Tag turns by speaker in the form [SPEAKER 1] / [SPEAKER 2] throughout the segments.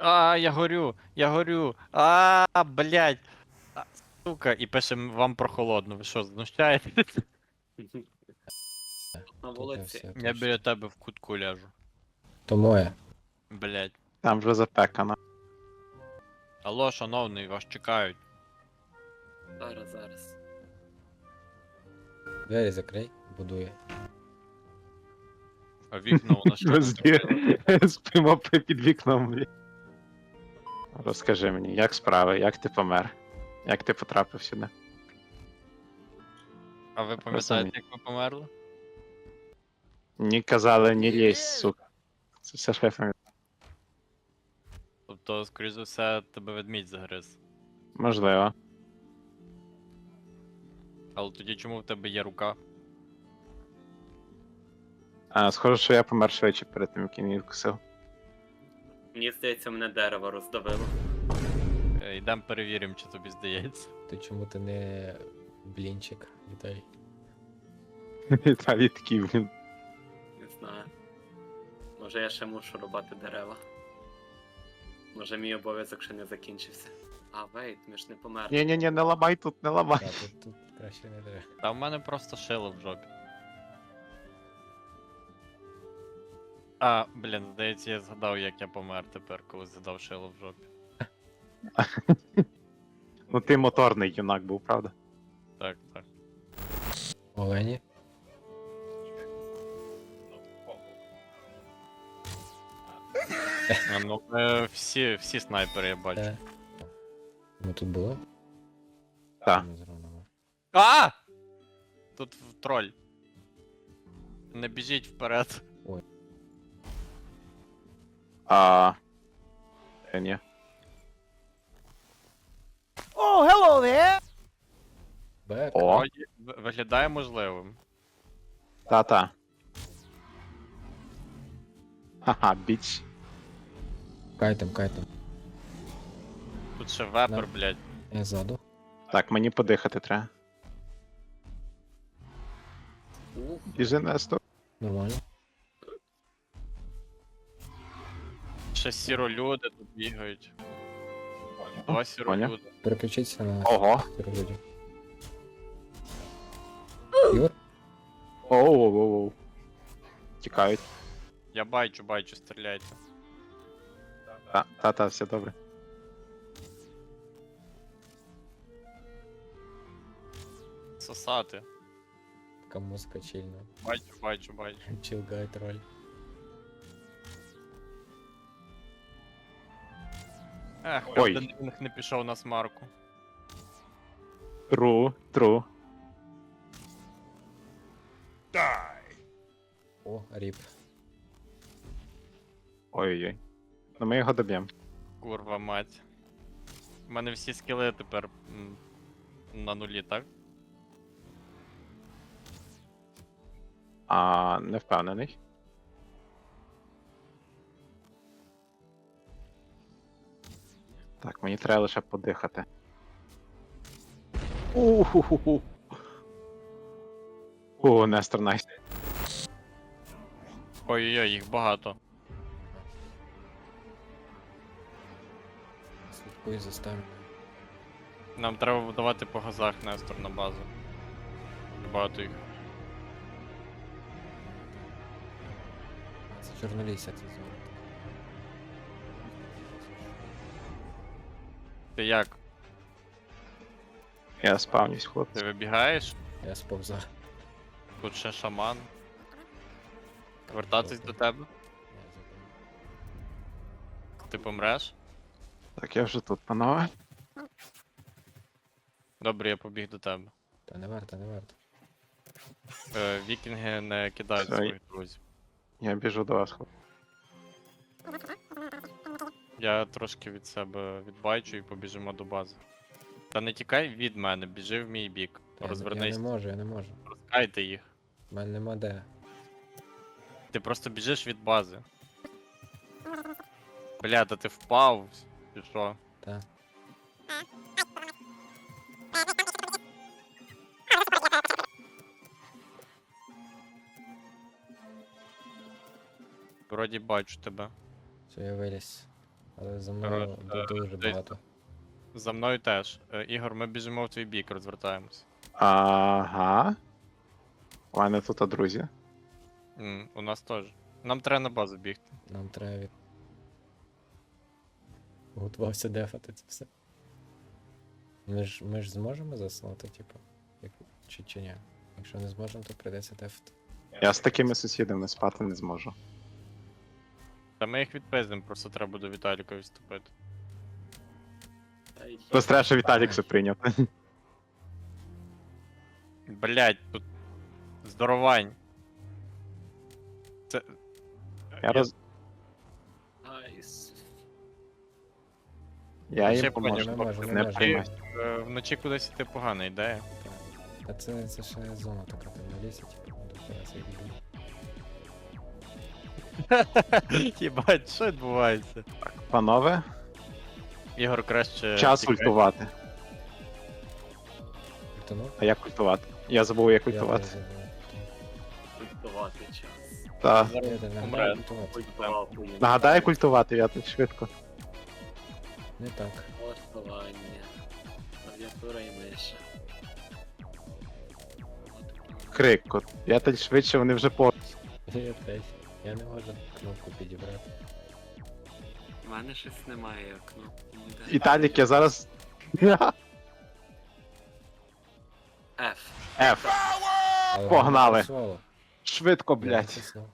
[SPEAKER 1] Я горю. Блядь. Сука, і пишем вам про холодну. Ви що, знущаєтесь?
[SPEAKER 2] На
[SPEAKER 3] Тут
[SPEAKER 2] вулиці.
[SPEAKER 3] все
[SPEAKER 1] Я біля тебе в кутку ляжу.
[SPEAKER 3] То моє.
[SPEAKER 1] Блядь.
[SPEAKER 4] Там вже запекано.
[SPEAKER 1] Алло, шановний, вас чекають.
[SPEAKER 2] Зараз.
[SPEAKER 3] Двері закрий, будує.
[SPEAKER 1] А вікна у нас що?
[SPEAKER 4] Ми
[SPEAKER 1] тут?
[SPEAKER 4] спимо під вікном. Розкажи мені, як справи, як ти помер? Як ти потрапив сюди?
[SPEAKER 1] А ви пам'ятаєте, як ви померли?
[SPEAKER 4] Ні казали, ні лізь, сука. Це все шефом.
[SPEAKER 1] Тобто, скоріш за все, тебе ведмідь загриз.
[SPEAKER 4] Можливо.
[SPEAKER 1] Але тоді чому в тебе є рука?
[SPEAKER 4] Схоже, що я помер швидше перед тим, як він її вкусив.
[SPEAKER 2] Мені здається, мене дерево роздавило.
[SPEAKER 1] Йдемо перевіримо, чи тобі здається.
[SPEAKER 3] Ти чому ти не блінчик, Віталій?
[SPEAKER 4] Віталій такий, блін.
[SPEAKER 2] Не знаю. Може я ще мушу рубати дерева. Може мій обов'язок ще не закінчився. Вейт, ми ж не померли.
[SPEAKER 4] Ні-ні-ні, не ламай тут, не ламай.
[SPEAKER 3] Так, тут краще не треба.
[SPEAKER 1] Та в мене просто шило в жопі. Блін, здається, я згадав, як я помер тепер, коли згадав шило в жопі.
[SPEAKER 4] Ну ти моторний юнак був, правда?
[SPEAKER 1] Так, так.
[SPEAKER 3] Олені?
[SPEAKER 1] Ну, всі снайпери я бачу.
[SPEAKER 3] Де? Ми тут були?
[SPEAKER 4] Так.
[SPEAKER 3] Ми зробимо.
[SPEAKER 1] Тут троль. Не біжіть вперед.
[SPEAKER 4] Ні.
[SPEAKER 3] Бек.
[SPEAKER 4] О,
[SPEAKER 1] Вроді виглядає можливим.
[SPEAKER 4] та-та. Ха-ха, біч.
[SPEAKER 3] Кайтем.
[SPEAKER 1] Тут ще вепер,
[SPEAKER 3] Да.
[SPEAKER 1] блядь.
[SPEAKER 3] Я ззаду.
[SPEAKER 4] Так, мені подихати треба. Біжи, Нестор.
[SPEAKER 3] Нормально.
[SPEAKER 1] Ще сіролюди тут бігають. Два
[SPEAKER 4] Поняв.
[SPEAKER 1] сіролюди.
[SPEAKER 3] Переключіться на
[SPEAKER 4] Ого.
[SPEAKER 3] люди. Юр?
[SPEAKER 4] Оу-оу-оу. Тікають.
[SPEAKER 1] Я бачу, стріляйте.
[SPEAKER 4] Та-та, все добре.
[SPEAKER 1] Сосати.
[SPEAKER 3] Така музика чільна.
[SPEAKER 1] Бачу.
[SPEAKER 3] Чилгай троль.
[SPEAKER 4] Ой.
[SPEAKER 1] Один не пішов на смарку.
[SPEAKER 4] Тру.
[SPEAKER 3] О, ріп.
[SPEAKER 4] Ой-ой-ой. Ну ми його доб'ємо.
[SPEAKER 1] Курва мать. У мене всі скіли тепер на нулі, так?
[SPEAKER 4] Не впевнений. Так, мені треба лише подихати. Уху-ху-ху. О, Нестор, найс.
[SPEAKER 1] Ой-ой-ой, їх багато.
[SPEAKER 3] Слідкуй за стаміною.
[SPEAKER 1] Нам треба давати по газах Нестор на базу. Багато їх.
[SPEAKER 3] Це чорнолісся це зона.
[SPEAKER 1] Ти як?
[SPEAKER 4] Я спавнюсь, хлопці.
[SPEAKER 1] Ти вибігаєш?
[SPEAKER 3] Я сповза.
[SPEAKER 1] Тут ще шаман. Вертатись до тебе? Ти помреш?
[SPEAKER 4] Так, я вже тут, панове.
[SPEAKER 1] Добре, я побіг до тебе.
[SPEAKER 3] Та не варто.
[SPEAKER 1] Вікінги не кидають
[SPEAKER 4] Все,
[SPEAKER 1] своїх друзів.
[SPEAKER 4] Я біжу до вас, хлопці.
[SPEAKER 1] Я трошки від себе відбайчу і побіжимо до бази. Та не тікай від мене, біжи в мій бік.
[SPEAKER 3] Я
[SPEAKER 1] Розвернись,
[SPEAKER 3] не можу.
[SPEAKER 1] розкайте їх.
[SPEAKER 3] У мене нема де.
[SPEAKER 1] Ти просто біжиш від бази. Бля, та ти впав. Чи що?
[SPEAKER 3] Та.
[SPEAKER 1] Вроді бачу тебе.
[SPEAKER 3] Все, я виліз. Але за мною дуже
[SPEAKER 1] десь-
[SPEAKER 3] багато.
[SPEAKER 1] За мною теж. Ігор, ми біжимо в твій бік, розвертаємось.
[SPEAKER 4] Ага. У мене тут друзі.
[SPEAKER 1] У нас теж. Нам треба на базу бігти.
[SPEAKER 3] Нам треба готувався дефати це все. Ми ж зможемо заснути, типу? Чи ні? Якщо не зможемо, то прийдеться дефати.
[SPEAKER 4] Я з такими сусідами спати не зможу.
[SPEAKER 1] Та ми їх відпиздимо, просто треба до Віталіка відступити.
[SPEAKER 2] Та й
[SPEAKER 4] Просто треба, що Віталік все прийняв.
[SPEAKER 1] Блять, тут здоровань. Це.
[SPEAKER 4] Я роз...
[SPEAKER 2] Айс.
[SPEAKER 4] Я
[SPEAKER 1] Ще
[SPEAKER 4] їм
[SPEAKER 1] поняв,
[SPEAKER 4] поможу.
[SPEAKER 3] не можу, не
[SPEAKER 4] Не
[SPEAKER 3] можу.
[SPEAKER 4] приймай.
[SPEAKER 1] Вночі кудись іти погана ідея.
[SPEAKER 3] А це ще зона така там на лісі, типу, до хера
[SPEAKER 1] Єбать, що відбувається?
[SPEAKER 4] Панове,
[SPEAKER 1] Ігор краще.
[SPEAKER 4] час
[SPEAKER 1] тікай.
[SPEAKER 4] ультувати.
[SPEAKER 3] Ультанув?
[SPEAKER 4] А як ультувати? Я забув, як
[SPEAKER 3] Я
[SPEAKER 4] ультувати.
[SPEAKER 3] теж забув.
[SPEAKER 2] Культувати час.
[SPEAKER 4] Та.
[SPEAKER 3] Я не
[SPEAKER 1] Помре.
[SPEAKER 3] нагадаю ультувати.
[SPEAKER 2] Культував хуйню.
[SPEAKER 4] Нагадай культувати, я тут швидко.
[SPEAKER 3] Не так.
[SPEAKER 2] Влаштування. Клавіатура і миша.
[SPEAKER 4] Крик. Я тут швидше, вони вже по.
[SPEAKER 3] Я теж. Я не можу кнопку підібрати.
[SPEAKER 2] У мене щось немає як кнопки ніде.
[SPEAKER 4] Віталік, я зараз.
[SPEAKER 2] F.
[SPEAKER 4] F.
[SPEAKER 3] Але
[SPEAKER 4] Погнали.
[SPEAKER 3] воно працювало.
[SPEAKER 4] Швидко,
[SPEAKER 3] Я
[SPEAKER 4] блядь.
[SPEAKER 3] натиснув.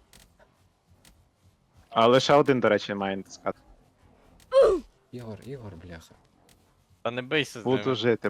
[SPEAKER 4] А лише один, до речі, має натискати.
[SPEAKER 3] Ігор, бляха.
[SPEAKER 1] Та не бийся з
[SPEAKER 4] Буду
[SPEAKER 1] ними.
[SPEAKER 4] жити,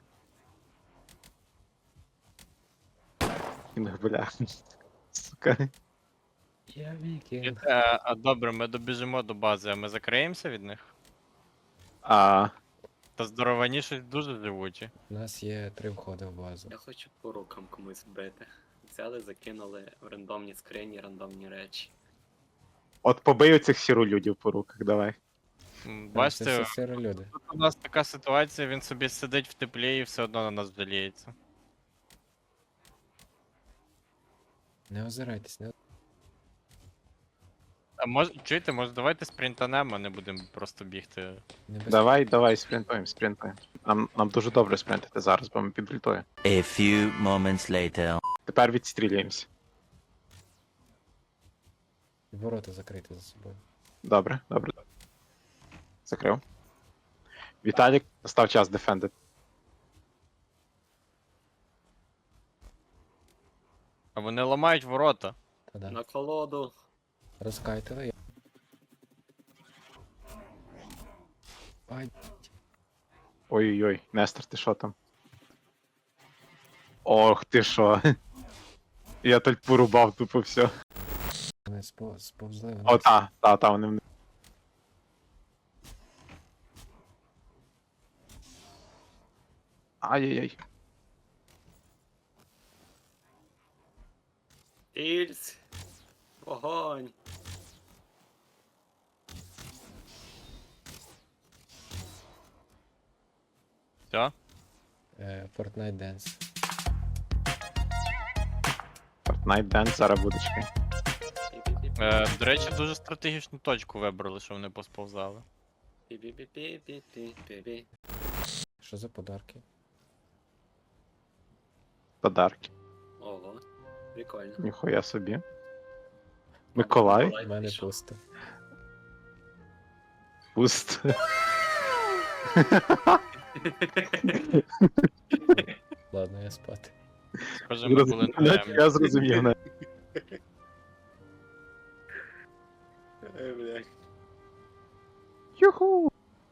[SPEAKER 4] Бля. Сука.
[SPEAKER 3] Я вікінг.
[SPEAKER 1] А добре, ми добіжимо до бази, а ми закриємося від них?
[SPEAKER 4] А,
[SPEAKER 1] Та здоровані щось дуже живучі.
[SPEAKER 3] У нас є 3 входи в базу.
[SPEAKER 2] Я хочу по рукам комусь бити. Взяли, закинули в рандомні скрині, рандомні речі.
[SPEAKER 4] от побий оцих сіролюдів по руках, давай.
[SPEAKER 1] М,
[SPEAKER 3] Це
[SPEAKER 1] Бачите,
[SPEAKER 3] все сиро люди.
[SPEAKER 1] тут у нас така ситуація, він собі сидить в теплі і все одно на нас жаліється.
[SPEAKER 3] Не озирайтесь, не
[SPEAKER 1] А чуєте, може давайте спринтанемо, а не будемо просто бігти.
[SPEAKER 4] Давай, спринтуємо. Нам дуже добре спринтити зараз, бо ми під ультою.
[SPEAKER 5] A few moments later.
[SPEAKER 4] Тепер відстрілюємося.
[SPEAKER 3] Ворота закриті за собою.
[SPEAKER 4] Добре. Закрив. Віталік, настав час дефендити.
[SPEAKER 1] А вони ламають ворота.
[SPEAKER 3] Та-да.
[SPEAKER 2] На колоду.
[SPEAKER 3] Розкайтили. Ай,
[SPEAKER 4] Ой-ой-ой, Нестор, ти що там? Ох, ти що. Я тут порубав тупо все.
[SPEAKER 3] вони сповзли
[SPEAKER 4] О,
[SPEAKER 3] вниз.
[SPEAKER 4] та, вони в. Ай-яй-яй.
[SPEAKER 2] Ільць. Вогонь.
[SPEAKER 1] Все?
[SPEAKER 3] Fortnite Dance.
[SPEAKER 4] Fortnite Dance зараз буде чекай.
[SPEAKER 1] До речі, дуже стратегічну точку вибрали, що вони посповзали.
[SPEAKER 2] Пі-пі-пі-пі-пі-пі-пі.
[SPEAKER 3] Що за подарки?
[SPEAKER 4] Подарки.
[SPEAKER 2] Ого, прикольно.
[SPEAKER 4] Ніхуя собі. Миколай.
[SPEAKER 3] У мене
[SPEAKER 2] пішов.
[SPEAKER 3] пусто.
[SPEAKER 4] Пуст.
[SPEAKER 3] Ладно, я спати.
[SPEAKER 1] Схоже, ми були на темі.
[SPEAKER 4] Я зрозумів. не.
[SPEAKER 2] Блядь.
[SPEAKER 4] Юху.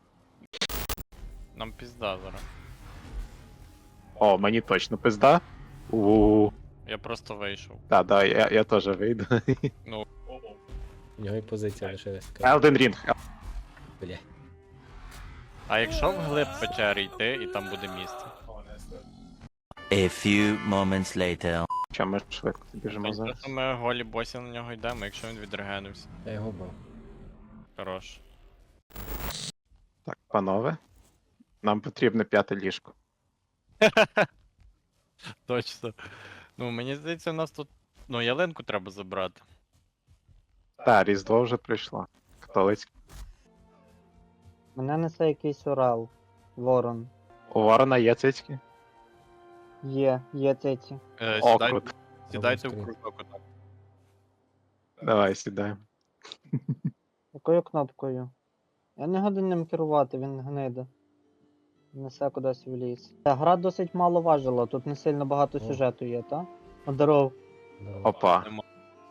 [SPEAKER 1] Нам пізда зараз.
[SPEAKER 4] О, мені точно пизда. У.
[SPEAKER 1] Я просто вийшов.
[SPEAKER 4] Да, я теж вийду.
[SPEAKER 3] У нього і позиція лишилась така.
[SPEAKER 4] Elden Ring.
[SPEAKER 3] Бля.
[SPEAKER 1] А якщо вглиб печери йти, і там буде місце.
[SPEAKER 5] A few moments later.
[SPEAKER 4] Що ми швидко біжимо зараз?
[SPEAKER 1] Тобто ми голі босі на нього йдемо, якщо він відрегенився.
[SPEAKER 3] Я його бив.
[SPEAKER 1] Хорош.
[SPEAKER 4] Так, панове. Нам потрібне 5 ліжко.
[SPEAKER 1] Точно. Ну, мені здається, у нас тут. Ну, ялинку треба забрати.
[SPEAKER 4] Та, Різдво вже прийшло. Католицьке.
[SPEAKER 6] Мене несе якийсь орел. Ворон.
[SPEAKER 4] У ворона є цицьки?
[SPEAKER 6] Є циці.
[SPEAKER 4] О,
[SPEAKER 1] Сідайте,
[SPEAKER 4] круто.
[SPEAKER 1] сідайте в
[SPEAKER 3] Скрізь.
[SPEAKER 1] кружок отак.
[SPEAKER 4] Давай сідаємо.
[SPEAKER 6] Якою кнопкою? Я не годен ним керувати, він гниде. Несе кудись в ліс. Та гра досить мало важила, тут не сильно багато
[SPEAKER 3] О.
[SPEAKER 6] сюжету є, та? Здоров.
[SPEAKER 3] Здорово.
[SPEAKER 4] Опа.
[SPEAKER 1] Нема.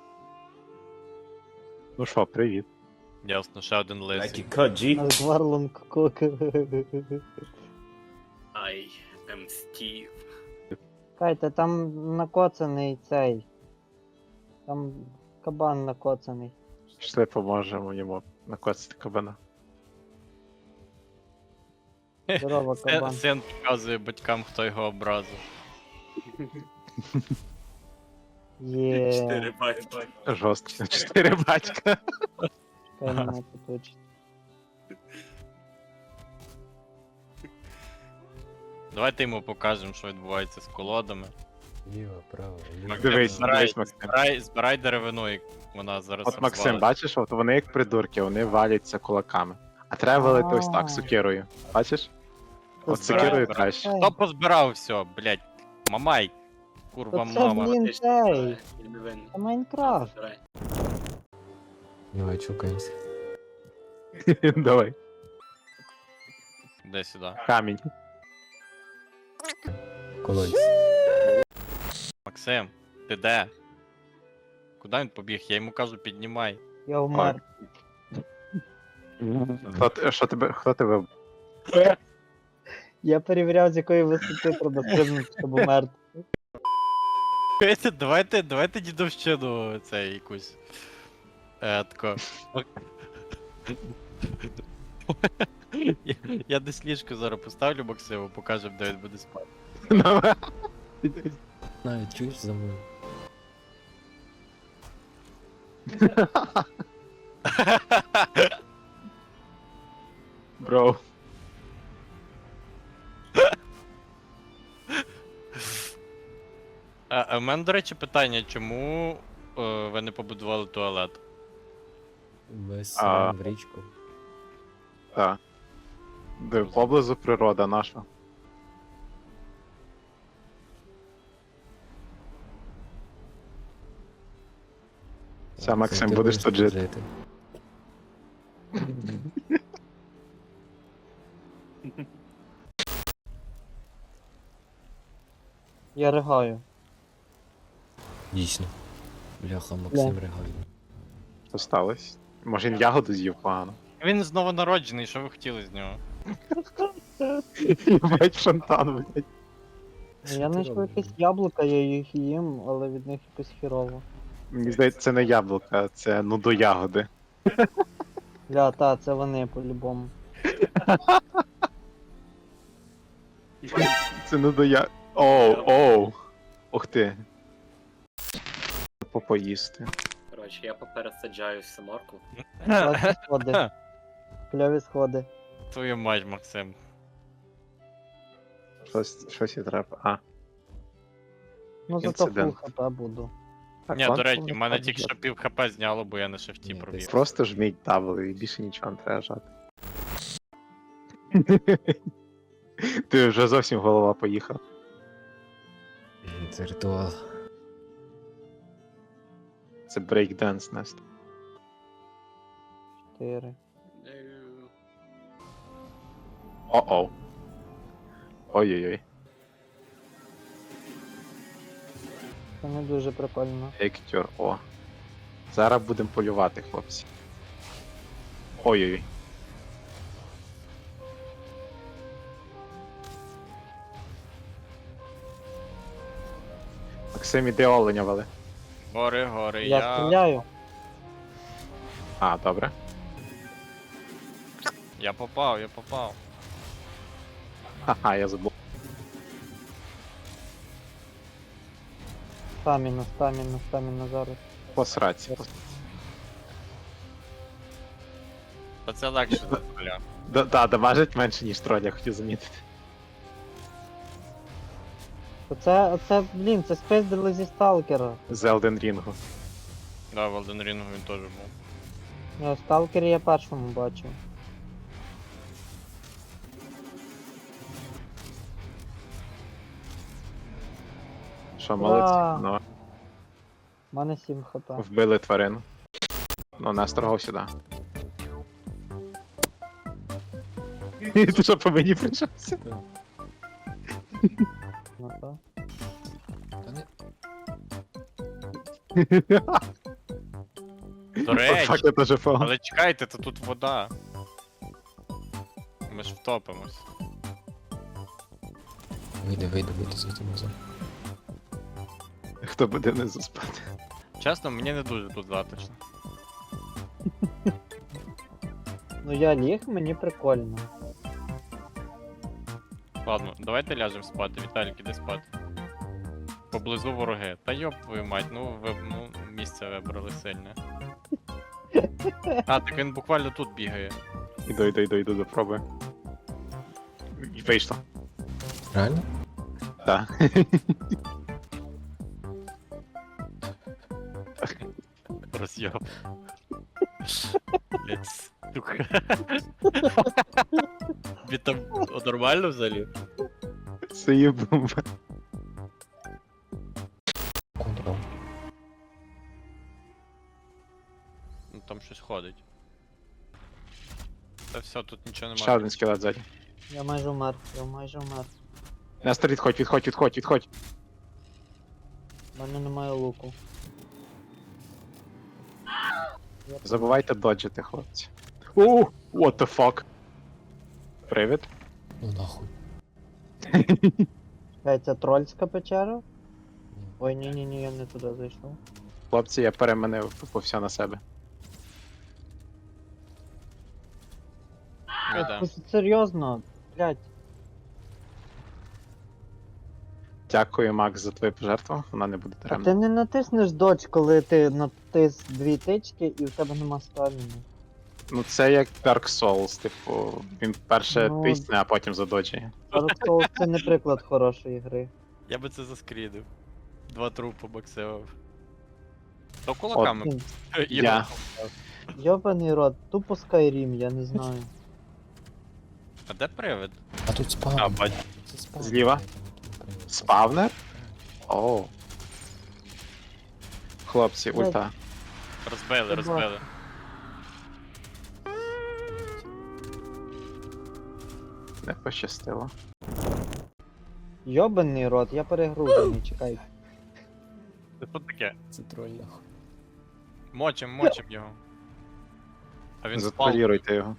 [SPEAKER 4] Ну що, привіт.
[SPEAKER 1] Ясно, ще один лисий.
[SPEAKER 6] Наш Варлон Кок.
[SPEAKER 2] I am Steve.
[SPEAKER 6] Кайте, там накоцаний цей. Там кабан накоцаний.
[SPEAKER 4] Пішли поможемо йому накоцати кабана.
[SPEAKER 6] Здорово, кабан.
[SPEAKER 1] Син показує батькам, хто його образив.
[SPEAKER 6] Є.
[SPEAKER 2] 4 батька.
[SPEAKER 4] Жорстко. 4 батька.
[SPEAKER 6] Чекай, мене поточить.
[SPEAKER 1] Давайте йому покажемо, що відбувається з колодами.
[SPEAKER 3] Ліво, право, ліво.
[SPEAKER 1] Максим,
[SPEAKER 4] Дивись,
[SPEAKER 1] збирай,
[SPEAKER 4] дивись, Максим.
[SPEAKER 1] збирай деревину, і вона зараз
[SPEAKER 4] От Максим,
[SPEAKER 1] розвалиться.
[SPEAKER 4] бачиш, от вони як придурки, вони валяться кулаками. А треба валити ось так, сокирою. Бачиш? От
[SPEAKER 1] Збирай,
[SPEAKER 4] сокирою
[SPEAKER 1] збирай.
[SPEAKER 4] краще.
[SPEAKER 1] Хто позбирав все, блядь? Мамай. Курва
[SPEAKER 6] Оце,
[SPEAKER 1] мама.
[SPEAKER 6] блін,
[SPEAKER 2] Ти ж
[SPEAKER 6] цей.
[SPEAKER 2] збирай, я не винен.
[SPEAKER 6] Це Майнкрафт.
[SPEAKER 2] Збирай.
[SPEAKER 3] Давай, чукаємося.
[SPEAKER 4] Давай.
[SPEAKER 1] Де сюди?
[SPEAKER 4] Камінь.
[SPEAKER 3] Колодязь.
[SPEAKER 1] Максим, ти де? Куди він побіг? Я йому кажу, піднімай.
[SPEAKER 6] Я вмер.
[SPEAKER 4] Хто тебе?
[SPEAKER 6] Я перевіряв, з якої висоти треба стрибнути, щоб умерти.
[SPEAKER 1] Давайте дідовщину цей якусь. Тако. Я десь ліжко зараз поставлю Максиму, покажемо, де він буде спати.
[SPEAKER 3] Навіть чуєш за мною?
[SPEAKER 4] Бро.
[SPEAKER 1] А в мене, до речі, питання, чому ви не побудували туалет?
[SPEAKER 3] Без
[SPEAKER 4] А.
[SPEAKER 3] в річку.
[SPEAKER 4] Так. Де поблизу природа наша. Все, Максим,
[SPEAKER 3] Ти
[SPEAKER 4] будеш тут жити.
[SPEAKER 6] Я ригаю.
[SPEAKER 3] Дійсно. Бляха, Максим ригає.
[SPEAKER 4] Що сталося? Може він ягоду з'їв погано?
[SPEAKER 1] Він знову народжений, що ви хотіли з нього?
[SPEAKER 4] Бать фонтан, блядь.
[SPEAKER 6] Я
[SPEAKER 3] ти
[SPEAKER 6] знайшов
[SPEAKER 3] робиш,
[SPEAKER 6] якісь
[SPEAKER 3] блін?
[SPEAKER 6] яблука, я їх їм, але від них якось хірово.
[SPEAKER 4] Мені здається, це не яблука, це ягоди.
[SPEAKER 6] Бля, та, це вони по-любому.
[SPEAKER 4] Це нудоя. Оу. Ух ти. Попоїсти.
[SPEAKER 2] Коротше, я попересаджаю всю морку.
[SPEAKER 6] Класні сходи. Кльові сходи.
[SPEAKER 1] Твою мать, Максим.
[SPEAKER 4] Щось і треба. А.
[SPEAKER 6] Ну зато фул
[SPEAKER 4] Інцидент.
[SPEAKER 6] хп буду.
[SPEAKER 4] Так,
[SPEAKER 1] Ні,
[SPEAKER 4] ладно,
[SPEAKER 1] до речі,
[SPEAKER 4] не
[SPEAKER 1] в мене
[SPEAKER 4] скажу,
[SPEAKER 1] тільки що пів хп зняло, бо я на шифті
[SPEAKER 3] Ні,
[SPEAKER 1] пробіг.
[SPEAKER 4] Просто жміть W і більше нічого не треба жати. Ти вже зовсім голова поїхав.
[SPEAKER 3] Це ритуал.
[SPEAKER 4] Це брейкденс, Настя.
[SPEAKER 6] 4.
[SPEAKER 4] О-оу. Ой-ой-ой.
[SPEAKER 6] Це не дуже прикольно.
[SPEAKER 4] Ектюр, о. Зараз будемо полювати, хлопці. Ой-ой-ой. Максим, іди оленя вали.
[SPEAKER 1] Гори,
[SPEAKER 6] Я стріляю.
[SPEAKER 4] А, добре.
[SPEAKER 1] Я попав.
[SPEAKER 4] Ха-ха, я забув.
[SPEAKER 6] Стаміна зараз.
[SPEAKER 4] Посраться.
[SPEAKER 1] Та це легше за поля.
[SPEAKER 4] Да, дамажить менше, ніж троль, я хотів замітити.
[SPEAKER 6] Оце, блін, це спиздили зі сталкера.
[SPEAKER 4] З Elden Ring.
[SPEAKER 1] Да, в Elden Ring він теж був.
[SPEAKER 6] Я в сталкері я першому бачив.
[SPEAKER 4] Що,
[SPEAKER 6] Ура!
[SPEAKER 4] молодці? Ну,
[SPEAKER 6] У мене 7 хп.
[SPEAKER 4] вбили тварину. Ну, Нестор гов сюди. Ти що по мені прийшовся?
[SPEAKER 6] Ну, так.
[SPEAKER 3] Та не...
[SPEAKER 1] До речі,
[SPEAKER 4] Фак, я теж фал.
[SPEAKER 1] але чекайте, то тут вода. Ми ж втопимось.
[SPEAKER 3] Вийди звідти назад.
[SPEAKER 4] Хто буде не заспати?
[SPEAKER 1] Чесно, мені не дуже тут затишно.
[SPEAKER 6] Ну я ліг, мені прикольно.
[SPEAKER 1] Ладно, давайте ляжемо спати. Віталік, іди спати. Поблизу вороги. Та йоп твою мать, ну місце вибрали сильне. А, так він буквально тут бігає.
[SPEAKER 4] Іду, допробую. І вийшло.
[SPEAKER 3] Реально?
[SPEAKER 4] Так.
[SPEAKER 1] Роз'єб. Блять, сука. Тобі там нормально взагалі?
[SPEAKER 4] Це є бомба.
[SPEAKER 3] Контрол.
[SPEAKER 1] Ну там щось ходить. Та все, тут нічого
[SPEAKER 4] Ще
[SPEAKER 1] немає.
[SPEAKER 4] один скелет ззаді.
[SPEAKER 6] Я майже вмер.
[SPEAKER 4] Нестор, відходь.
[SPEAKER 6] У мене немає луку.
[SPEAKER 4] Забувайте доджити, хлопці. О, what the fuck. Привід.
[SPEAKER 3] Ну нахуй.
[SPEAKER 6] Це трольська печера? Ой, ні, я не туди зайшов.
[SPEAKER 4] Хлопці, я переманив тупо все на себе.
[SPEAKER 1] Ми йдемо.
[SPEAKER 6] Серйозно, блядь.
[SPEAKER 4] Дякую, Макс, за твою пожертву. Вона не буде
[SPEAKER 6] А ти
[SPEAKER 4] даремна.
[SPEAKER 6] не натиснеш додж, коли ти натис 2 тички і в тебе нема стаміни.
[SPEAKER 4] Ну це як Dark Souls, типу, він перше
[SPEAKER 6] Ну.
[SPEAKER 4] тисне, а потім задоджує.
[SPEAKER 6] Dark Souls це не приклад хорошої гри.
[SPEAKER 1] Я би це заскрідив. 2 трупи боксив. То кулаками.
[SPEAKER 6] Блін,
[SPEAKER 4] Я.
[SPEAKER 6] Йобаний рот, тупо Skyrim, я не знаю.
[SPEAKER 1] А де привид?
[SPEAKER 3] А тут спав.
[SPEAKER 1] А, бач.
[SPEAKER 3] Це спав.
[SPEAKER 4] Зліва? Спавнер? Оу. Хлопці,
[SPEAKER 6] Ой.
[SPEAKER 4] ульта.
[SPEAKER 1] Розбили.
[SPEAKER 4] Не пощастило.
[SPEAKER 6] Йобаний рот, я перегружений, чекай.
[SPEAKER 1] Це тут таке.
[SPEAKER 3] Це троль нахуй.
[SPEAKER 1] Мочим його. А він спав.
[SPEAKER 4] Затроліруйте його.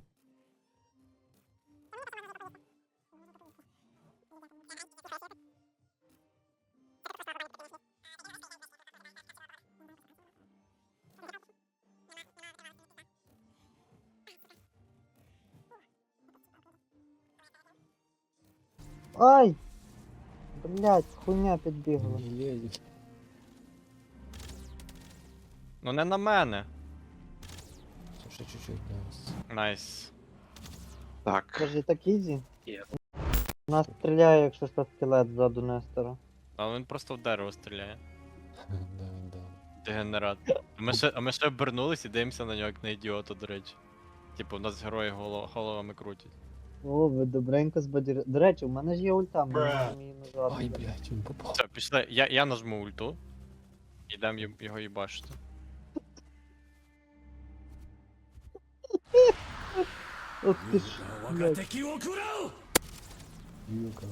[SPEAKER 6] Ай! Блять, хуйня підбігла.
[SPEAKER 3] Ні-ні-ні.
[SPEAKER 1] Ну не на мене.
[SPEAKER 3] Це ще чуть-чуть нас.
[SPEAKER 1] Найс.
[SPEAKER 4] Так.
[SPEAKER 6] Кажи, так ізі?
[SPEAKER 2] Є.
[SPEAKER 6] Нас стріляє, якщо що скелет ззаду Нестора.
[SPEAKER 1] Але він просто в дерево стріляє.
[SPEAKER 3] Да.
[SPEAKER 1] Дегенерат. А ми ще обернулись і дивимося на нього як на ідіота, до речі. Типу, у нас герої головами крутять.
[SPEAKER 6] О, ви добренько збадір... До речі, у мене ж є ульта, ми можемо її нажати.
[SPEAKER 3] Ай, блядь, він попав.
[SPEAKER 1] Все, пішли. Я нажму ульту. Ідем його їбашити.
[SPEAKER 6] Ох ти ж, блядь.
[SPEAKER 3] Юка,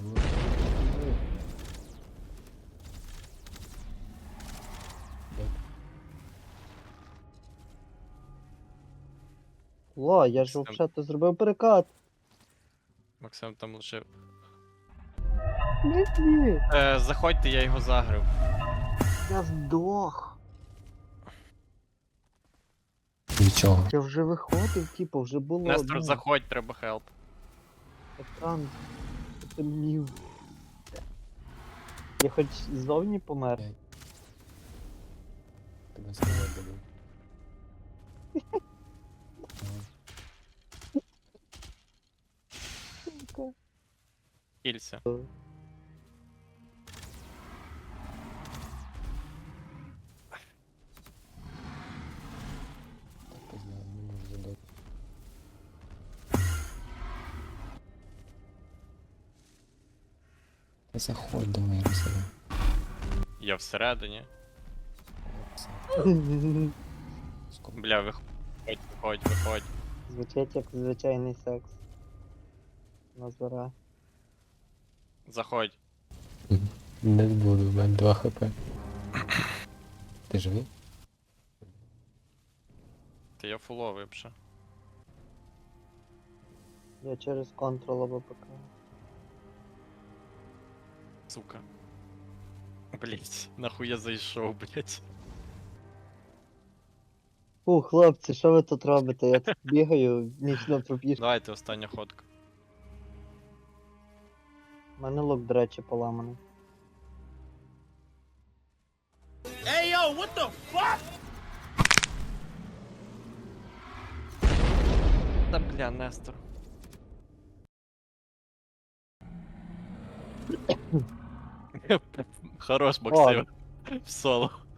[SPEAKER 6] О, я ж взагалі зробив перекат.
[SPEAKER 1] Максим там лишив.
[SPEAKER 6] Ні,
[SPEAKER 1] Заходьте, я його загрив.
[SPEAKER 6] я здох.
[SPEAKER 3] Від чого?
[SPEAKER 6] Я вже виходив, типу, вже було.
[SPEAKER 1] Нестор, заходь, треба хелп.
[SPEAKER 6] Екран потемнів. Я хоч ззовні помер.
[SPEAKER 3] Тебе сказати буду.
[SPEAKER 1] Кілься.
[SPEAKER 3] Так познаю, не можу задати. Та заходь, давай, розсередь.
[SPEAKER 1] Я всередині.
[SPEAKER 3] Скоро.
[SPEAKER 1] Бля, виходь.
[SPEAKER 6] Звучить як звичайний секс. Назара.
[SPEAKER 1] Заходь.
[SPEAKER 3] Не буду, в мене 2 хп. Ти живий?
[SPEAKER 1] Та я фуловий вже.
[SPEAKER 6] Я через контрол АВПК.
[SPEAKER 1] Сука. Блять, нахуй я зайшов, блять.
[SPEAKER 6] Фу, хлопці, що ви тут робите? Я тут бігаю, нічна пробіжка.
[SPEAKER 1] Давайте остання ходка.
[SPEAKER 6] У мене лук, до речі, поламаний.
[SPEAKER 1] Та бля, Нестор. Хорош, Максим. В соло.